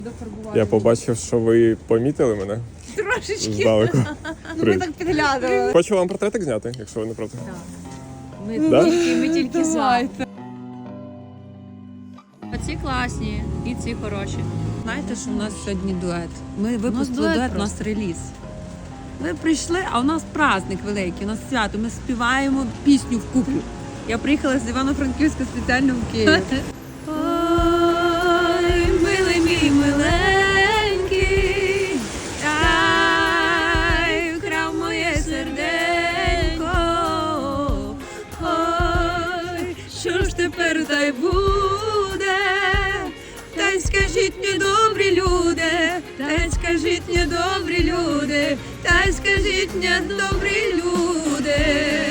Я побачив, що ви помітили мене. Трошечки. Здалеку. Ми так підглядали. Хочу вам портретик зняти, якщо ви не проти. Ми тільки за. Давайте. Ці класні і ці хороші. Знаєте, що у нас сьогодні дует? Ми випустили дует дует, у нас просто. реліз. Ви прийшли, а у нас праздник великий, у нас свято. Ми співаємо пісню вкупі. Я приїхала з Івано-Франківська спеціально в Київ. Ой, милий мій миленький, ай, вкрав моє серденько. Ой, що ж тепер та й буде? Та й скажіть мені, добрі люди, та й скажіть мені, добрі люди, та й скажіть мені, добрі люди.